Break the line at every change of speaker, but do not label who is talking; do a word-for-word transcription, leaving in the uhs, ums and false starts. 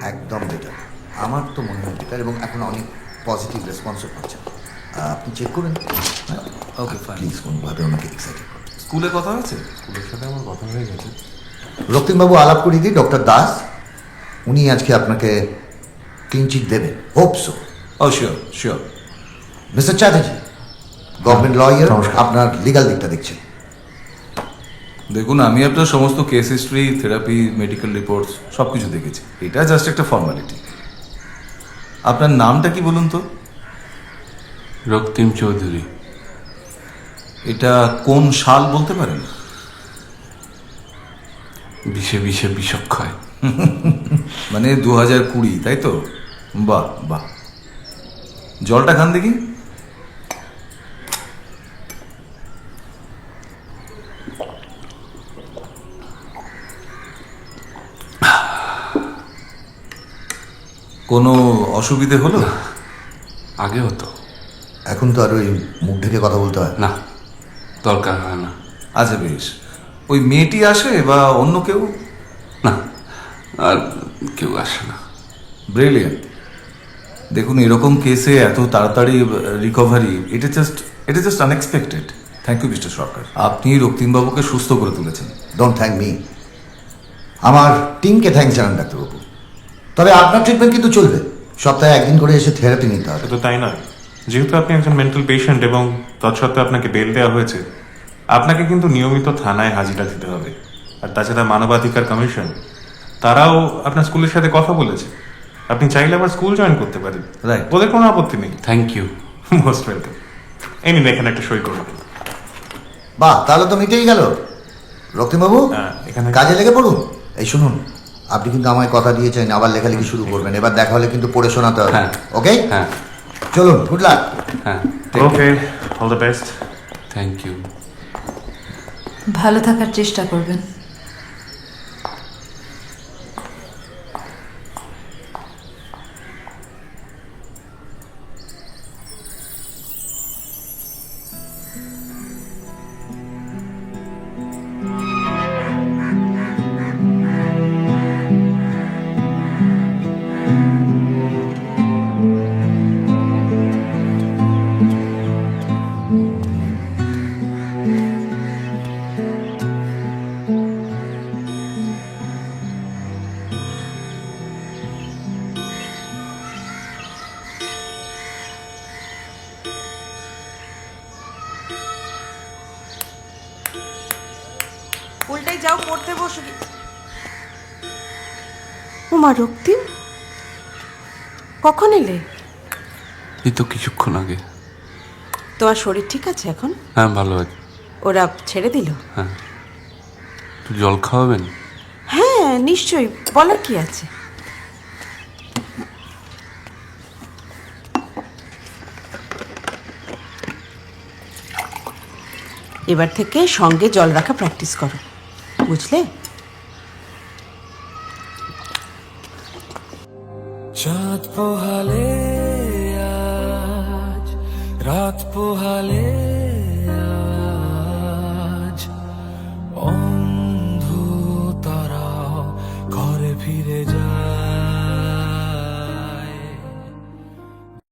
একদম বেটার, আমার তো মনে হয় বেটার, এবং এখন অনেক পজিটিভ রেসপন্সও পাচ্ছেন। আপনি চেক করুন।
Okay fine.
প্লিজ কোনোভাবে ওনাকে এক্সাইটেড করুন।
স্কুলে কথা হয়েছে?
স্কুলের সাথে আমার কথা হয়ে গেছে।
রক্তিমবাবু আলাপ করিয়ে দিই, ডক্টর দাস উনি আজকে আপনাকে ক্লিন চিট দেবেন, hope so.
Oh sure sure.
Mister Chatterjee, government lawyer, আপনার লিগাল দিকটা দেখছেন।
দেখুন, আমি আপনার সমস্ত case history, therapy, medical reports সব কিছু দেখেছি। এটা জাস্ট একটা ফর্মালিটি। আপনার নামটা কি বলুন তো?
রক্তিম চৌধুরী।
এটা কোন সাল বলতে পারেন?
বিষে বিষে বিষক্ষয়।
মানে দু হাজার কুড়ি, তাই তো? বাহ বাহ, জলটা খান দেখি। কোনো অসুবিধে হলো?
আগে হতো,
এখন তো আর ওই মুখ ঢেকে কথা বলতে হয়
না দরকার হয় না।
আচ্ছা বেশ। ওই মেয়েটি আসে বা অন্য কেউ?
না, আর কেউ আসে না।
ব্রিলিয়ান্ট। দেখুন, এরকম কেসে এত তাড়াতাড়ি রিকভারি, এটা জাস্ট এটা just unexpected. Thank you mister Sarkar, আপনি রক্তিমবাবুকে সুস্থ করে তুলেছেন।
ডোন্ট থ্যাংক মি, আমার টিমকে থ্যাংক জানান ডাক্তারবাবু। তবে আপনার ট্রিটমেন্ট কিন্তু চলবে, সপ্তাহে একদিন করে এসে থেরাপি নিতে হবে।
শুধু তাই নয়, যেহেতু আপনি একজন মেন্টাল পেশেন্ট এবং তৎসত্ত্বেও আপনাকে বেল দেওয়া হয়েছে, আপনাকে কিন্তু নিয়মিত থানায় হাজিরা দিতে হবে। আর তাছাড়া মানবাধিকার কমিশন তারাও আপনার স্কুলের সাথে কথা বলেছে, আপনি চাইলে আবার স্কুল জয়েন করতে পারেন।
Right.
ওদের কোনো আপত্তি নেই।
Thank you.
Most welcome. এই নিন, এখানে একটা সই করুন।
বাহ, তাহলে তো মিটেই গেল। রক্তিমবাবু,
হ্যাঁ, এখানে-
কাজে লেগে পড়ুন। এই শুনুন, আপনি কিন্তু আমায় কথা দিয়েছেন আবার লেখালেখি শুরু করবেন। এবার দেখা হলে কিন্তু পড়ে শোনাতে হবে।
হ্যাঁ।
ওকে,
হ্যাঁ
চলুন, গুড লাক।
হ্যাঁ,
okay, all the best.
Thank you.
ভালো থাকার চেষ্টা করবেন।
উল্টাই যাও, পড়তে বসো কি। উমা, রক্তিম কখন এলে?
এই তো কিছুক্ষণ আগে।
তোমার শরীর ঠিক আছে এখন?
হ্যাঁ ভালো আছে।
ওরা ছেড়ে দিল?
হ্যাঁ, একটু জল খাওয়াবেন?
হ্যাঁ নিশ্চয়ই, বলার কি আছে। এবার থেকে সঙ্গে জল রাখা প্র্যাকটিস করো, বুঝলে?
চাঁদ পোহালে আজ রাত পোহালে